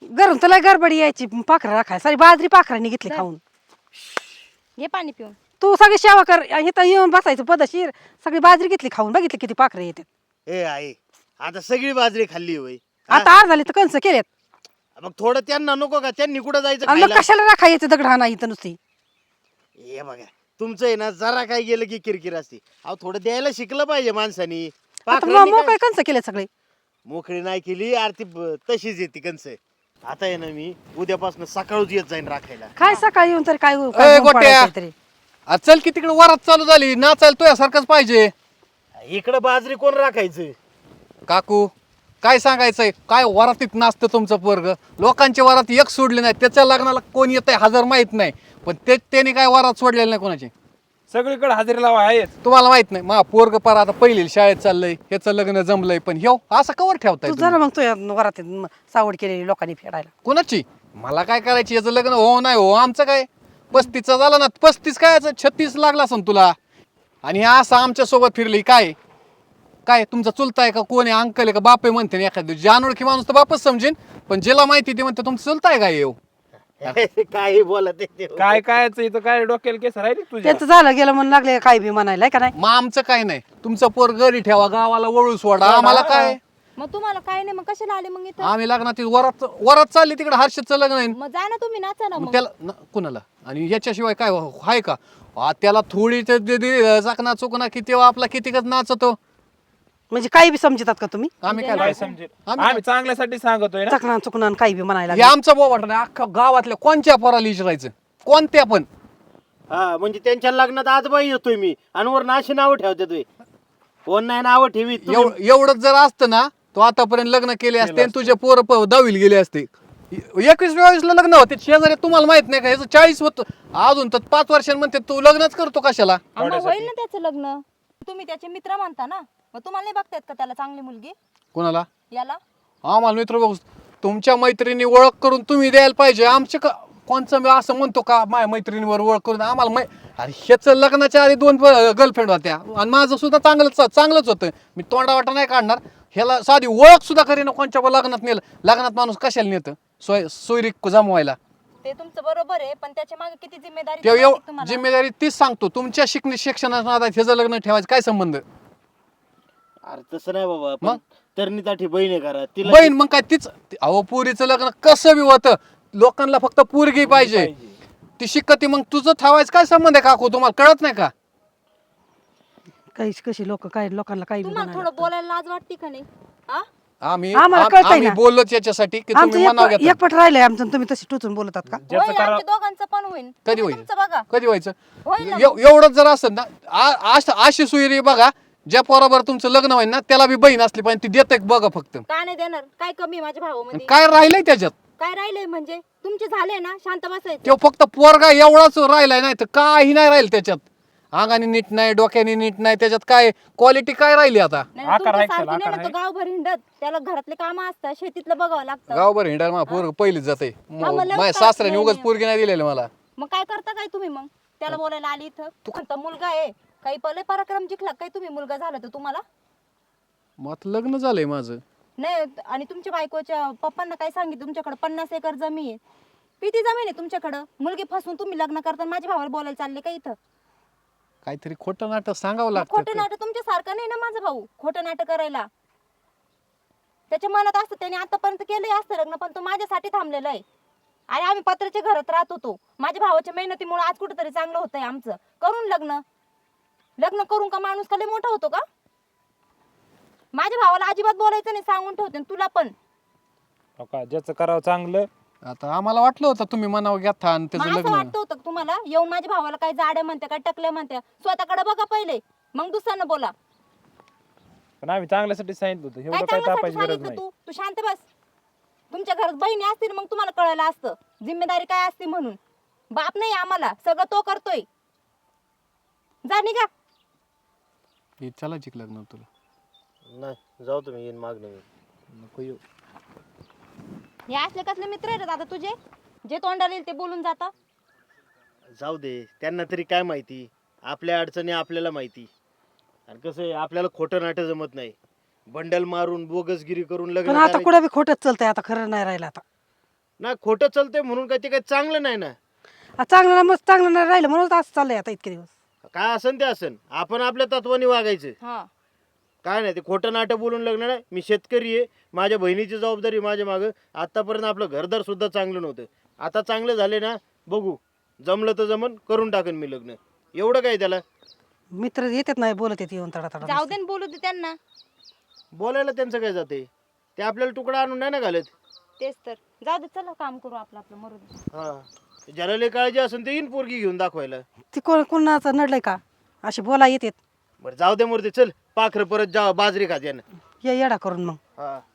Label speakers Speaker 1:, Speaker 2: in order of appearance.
Speaker 1: घरून तुला गडबडी यायची पाखरं राखाय सारी बाजरी पाखरांनी घेतली
Speaker 2: जा.
Speaker 1: खाऊन.
Speaker 2: घे पाणी पिऊन.
Speaker 1: तू सगळी सेवा कर इथं येऊन बसायचं पदशीर सगळी बाजरी घेतली खाऊन बघितली किती पाखरं येतात.
Speaker 3: ए आई आता सगळी बाजरी खाल्ली होय
Speaker 1: आता आर झाली तर कंस केलेत
Speaker 3: मग थोडं त्यांना नको का त्यांनी कुठं जायचं
Speaker 1: आणि मग
Speaker 3: खायला?
Speaker 1: कशाला राखायचं दगड इथं नुसती.
Speaker 3: हे बघा तुमचं आहे ना जरा काय गेलं की किरकिर असते अहो थोडं द्यायला शिकलं पाहिजे माणसानी.
Speaker 1: आता
Speaker 3: पाखरांनी
Speaker 1: मोकळे
Speaker 3: काय-
Speaker 1: कंस केले सगळे.
Speaker 3: मोकळी नाही केली आरती तशीच येते कंस. आता आहे ना मी उद्यापासून सकाळच येत जाईन राखायला.
Speaker 1: काय सकाळी येऊन तरी काय
Speaker 4: ए,
Speaker 1: ऊन
Speaker 4: गोट्या.
Speaker 1: पडायचं तरी.
Speaker 4: चल की तिकडे वरात चालू झाली नाचायला तुझ्यासारखंच पाहिजे.
Speaker 3: इकडं बाजरी कोण राखायचं?
Speaker 4: काकू काय सांगायचंय काय वरातीत नाचतं तुमचं पोरग. लोकांच्या वरात एक सोडले नाही त्याच्या लग्नाला कोण येत आहे हजार माहित नाही पण त्याने काय वरात सोडलेली नाही कोणाची.
Speaker 5: सगळीकडे हजेरी लावा आहे.
Speaker 4: तुम्हाला माहित नाही मा पोरग पार आता पहिली शाळेत चाललंय ह्याचं लग्न जमलंय पण ह्यो असं कवर ठेवताय
Speaker 1: तू
Speaker 4: तुम्ही?
Speaker 1: जरा मग तू वरात सावड केलेली लोकांनी फेडायला.
Speaker 4: कोणाची मला काय करायची याचं लग्न हो नाही हो आमचं काय 35चा झाला ना 35 काय 36 लागला असं तुला. आणि हे असं आमच्या सोबत फिरली काय काय तुमचा चुलता आहे का कोण आहे अंकल आहे का बाप आहे म्हणते ना एखाद्या दिवशी. अनोळखी माणूस तर बापच समजेन पण ज्याला माहिती ते म्हणते तुमचं चुलता आहे काय येऊ.
Speaker 3: काही बोलत आहे ते.
Speaker 5: काय कायच इथं काय डोक्याला केस राहिली तुझ्या?
Speaker 1: त्यांचं झालं गेलं म्हणून लागले काय बी म्हणायला का नाही.
Speaker 4: मग आमचं काय नाही तुमचं पोर घरी ठेवा गावाला वळू सोडा आम्हाला काय.
Speaker 2: मग तुम्हाला काय नाही मग कशाला आले मग इथं?
Speaker 4: आम्ही लग्नात वरात वरात चालली तिकडे हर्षदचं लग्न आहे.
Speaker 2: मग जा ना तुम्ही नाचा ना
Speaker 4: मग
Speaker 2: मग.
Speaker 4: त्याला कुणाला आणि याच्याशिवाय काय आहे का. त्याला थोडी चाकणा चुकना किती आपला कितीकच नाचतो.
Speaker 1: म्हणजे काही बी समजतात का तुम्ही.
Speaker 4: आम्ही
Speaker 5: काय
Speaker 4: काय
Speaker 5: समजेल
Speaker 4: आम्ही
Speaker 5: आम्ही चांगल्यासाठी सांगतोय ना.
Speaker 1: चकना चुकना काही बी म्हणायला
Speaker 4: हे
Speaker 1: लागले.
Speaker 4: आमचं बोवाट नाही अख्खा गावातल्या कोणत्या पोराला विचारायचं कोणत्या पण.
Speaker 3: हा म्हणजे त्यांच्या लग्नात आजबाई येतोय मी आणि वर अशी नावं ठेवते तुम्ही. कोण नाही नावं ठेवी
Speaker 4: एवढंच जर असतं ना तो आतापर्यंत लग्न केले असते आणि तुझे पोर 10वीला गेले असते. 21-22ला लग्न होते शेजारी तुम्हाला माहित नाही का ह्याचं 40 होतं अजून तर 5 वर्षांमध्ये तू लग्नच करतो कशाला.
Speaker 2: मग होईल ना त्याचं लग्न. तुम्ही त्याचे मित्र म्हणता ना मग तुम्हाला नाही बघतायत का त्याला चांगली मुलगी
Speaker 4: कोणाला
Speaker 2: याला?
Speaker 4: आम्हाला मित्र बघू तुमच्या मैत्रिणी ओळख करून तुम्ही द्यायला पाहिजे आमचे का कोणचं मी असं म्हणतो का माझ्या मैत्रिणीवर ओळख करून आम्हाला अरे ह्याचं लग्नाच्या आधी 2 गर्लफ्रेंड होत्या आणि माझं सुद्धा चांगलंच होतं. मी तोंडावाटा नाही काढणार ह्याला साधी ओळख सुद्धा करीन कोणच्या लग्नात नेलं. लग्नात माणूस कशाला नेतं सोयरीक जमवायला.
Speaker 2: ते तुमचं बरोबर आहे पण त्याच्या मागे किती जिम्मेदारी
Speaker 4: ते
Speaker 2: माहिती आहे तुम्हाला?
Speaker 4: जिम्मेदारी तीच सांगतो तुमच्या शिक्षणाच्या नादात ह्याचं लग्न ठेवायचं काय संबंध.
Speaker 3: अरे तसं नाही बाबा
Speaker 4: मग?
Speaker 3: पण तरणीसाठी बहीण आहे करा तिला
Speaker 4: बहीण मग काय तीच अहो पुरीचं लग्न कसं बी होतं लोकांना फक्त पोरगी पाहिजे ती शिकती मग तुझं ठेवायचं काय संबंध आहे काकू तुम्हाला कळत नाही का.
Speaker 1: काही कशी लोक काय लोकांना काही बी
Speaker 2: तुम्हाला
Speaker 1: म्हणायला
Speaker 2: थोडं बोलायला लाज वाटते का नाही? हा?
Speaker 1: आम्हाला कळतंय ना.
Speaker 4: बोललोच याच्यासाठी की तुम्ही मनाव
Speaker 1: आमचं
Speaker 4: घेता.
Speaker 1: एकपट राहिलंय आमचं तुम्ही तशी टोचून बोलतात का.
Speaker 5: ज्याचं
Speaker 2: होईल,
Speaker 5: करा
Speaker 2: आमच्या दोघांचं पण होईल.
Speaker 4: कधी
Speaker 2: तुम्ही
Speaker 4: होईल?
Speaker 2: तुमचं बघा.
Speaker 4: कधी व्हायचं
Speaker 2: होईल ना
Speaker 4: एवढंच जर असेल ना अशी सुयरी बघा ज्या पोराबर तुमचं लग्न होईल ना त्याला बी बहीण असली पाहिजे ती देते बघा फक्त.
Speaker 2: का नाही देणार? काय कमी आहे माझ्या भावामध्ये?
Speaker 4: काय राहिलंय त्याच्यात
Speaker 2: काय राहिलंय म्हणजे तुमचे झाले ना शांत बसायचं.
Speaker 4: तो फक्त पोरगा एवढाच राहिलाय नाही तर काही नाही राहील त्याच्यात. अंगाने नीट नाही डोक्याने नीट नाही त्याच्यात काय क्वालिटी काय राहिली आता.
Speaker 2: नाही,
Speaker 5: आकार
Speaker 2: तुमच्या
Speaker 5: आहे त्याला,
Speaker 2: सारखी नाही ना,
Speaker 5: आकार
Speaker 2: तो गावभर हिंडत त्याला घरातले काम असतात शेतीतलं बघावं लागतं.
Speaker 4: गावभर हिंडार मा पोरग पहिलीच जाते
Speaker 2: मग लग्न
Speaker 4: माझ्या
Speaker 2: करायचं
Speaker 4: सासऱ्याने
Speaker 2: नाही
Speaker 4: उगाच
Speaker 2: आहे.
Speaker 4: पोरगी नाही दिलेली मला.
Speaker 2: मग काय करता काय तुम्ही मग? त्याला बोलायला आली इथं म्हणता मुलगा आहे काही पहिले पराक्रम जिंकला काय तुम्ही मुलगा झाला तर तुम्हाला
Speaker 4: मग आता लग्न झालंय माझं.
Speaker 2: नाही. आणि तुमच्या बायकोच्या पप्पांना काय सांगितलं तुमच्याकडे 50 एकर जमीन आहे. किती जमीन आहे तुमच्याकडं? मुलगी फसवून तुम्ही लग्न करता माझ्या भावाला बोलायला चालले का इथं?
Speaker 4: काहीतरी खोटं नाटक सांगावं
Speaker 2: मग
Speaker 4: लागतं.
Speaker 2: खोटं नाटक तुमच्या सारखं नाही ना माझा भाऊ खोटं नाटक करायला. त्याच्या मनात असतं त्याने आतापर्यंत केलंय असतं लग्न पण तो माझ्यासाठी थांबलेला आहे. आणि आम्ही पत्राच्या घरात राहत होतो माझ्या भावाच्या मेहनतीमुळे आज कुठेतरी चांगलं होतंय आमचं. करून लग्न करून का माणूस का लय मोठा होतो का? माझ्या भावाला अजिबात बोलायचं नाही सांगून ठेवते आणि तुला पण.
Speaker 5: हो का, ज्याचं करावं चांगलं.
Speaker 4: आता आम्हाला वाटलं होतं तुम्ही मनावर घेता आणि
Speaker 2: मग
Speaker 4: त्याचं
Speaker 2: असं
Speaker 4: लग्न.
Speaker 2: वाटतं होतं का तुम्हाला येऊन माझ्या भावाला काय जाड्या म्हणते काय टकल्या म्हणते? स्वतःकडे बघा पहिले मग दुसऱ्यांना बोला.
Speaker 5: पण आम्ही चांगल्यासाठी सांगितलं होतं
Speaker 2: काय
Speaker 5: एवढं काय
Speaker 2: चांगल्यासाठी
Speaker 5: तापायची गरज
Speaker 2: सांगितलं
Speaker 5: नाही.
Speaker 2: तू शांत बस. तुमच्या घरात बहिणी असतील मग तुम्हाला कळायला असतं जिम्मेदारी काय असते म्हणून. बाप नाही आम्हाला सगळं तो करतोय. जा निघा.
Speaker 4: हे चलायची का लग्न तुला.
Speaker 3: नाही जाऊ तुम्ही येईन मागणं मी.
Speaker 4: नको येऊ.
Speaker 2: हे असले कसले मित्र आहेत आता तुझे जे तोंडाला येईल ते बोलून जाता.
Speaker 3: जाऊ दे त्यांना तरी काय माहिती आपल्या अडचणी आपल्याला माहिती. आणि कसं आहे आपल्याला खोटं नाटक जमत नाही. बंडल मारून बोगसगिरी करून
Speaker 1: पण
Speaker 3: लग्न
Speaker 1: आता
Speaker 3: करायचं.
Speaker 1: कुठं बी खोटच चालतंय आता खरं नाही राहिलं आता.
Speaker 3: ना खोटं चालतंय म्हणून काय ते काही चांगलं नाही ना.
Speaker 1: चांगलं ना, मग चांगलं नाही राहिलं म्हणून असं चाललंय आता इतके दिवस.
Speaker 3: काय असन ते असन, आपण आपल्या तत्वाने वागायचं.
Speaker 2: हा
Speaker 3: काय नाही ते खोटं नाटक बोलून लग्न नाही. मी शेतकरी आहे, माझ्या बहिणीची जबाबदारी माझ्या मागं. आतापर्यंत आपलं घरदार सुद्धा चांगलं नव्हतं, आता चांगलं झाले ना. बघू, जमलं तर जमन, करून टाकेन मी लग्न. एवढं काय त्याला.
Speaker 1: मित्र येतात नाही बोलत येत येऊन तडा तडा.
Speaker 2: जाऊ दे न, बोलू दे त्यांना.
Speaker 3: बोलायला त्यांचं काय जाते, ते आपल्याला तुकडा आणून नाही ना घालत.
Speaker 2: तेच तर, जाऊ दे, चला काम करू आपलं आपलं, मरू दे.
Speaker 3: हा, ज्याला लय काळजी असेल ते येईन पोरगी घेऊन दाखवायला.
Speaker 1: ती कोणाचं नडलंय का अशी बोला येतात.
Speaker 3: बरं जाऊ दे मूर्ती, चल पाखरं परत जा बाजरी खात यानं.
Speaker 1: ये येडा करून मग.
Speaker 3: हा